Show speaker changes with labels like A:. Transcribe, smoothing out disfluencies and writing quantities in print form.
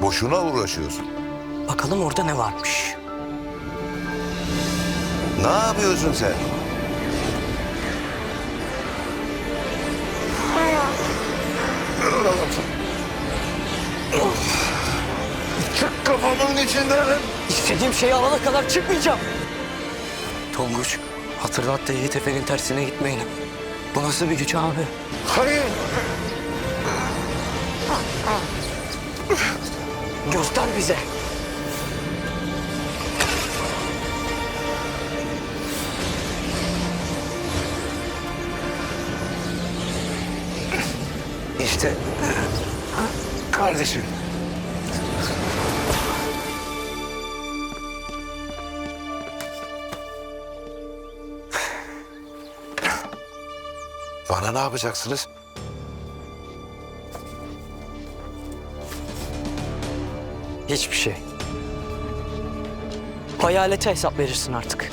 A: Boşuna uğraşıyorsun.
B: Bakalım orada ne varmış.
A: Ne yapıyorsun sen? Çık kafamın içinden.
B: İstediğim şeyi alana kadar çıkmayacağım. Tonguç, hatırlat da Yiğit Efe'nin tersine gitmeyin. Bu nasıl bir güç abi?
A: Hayır.
B: Göster bize.
A: İşte kardeşim. Bana ne yapacaksınız?
B: Hiçbir şey. Hayalete hesap verirsin artık.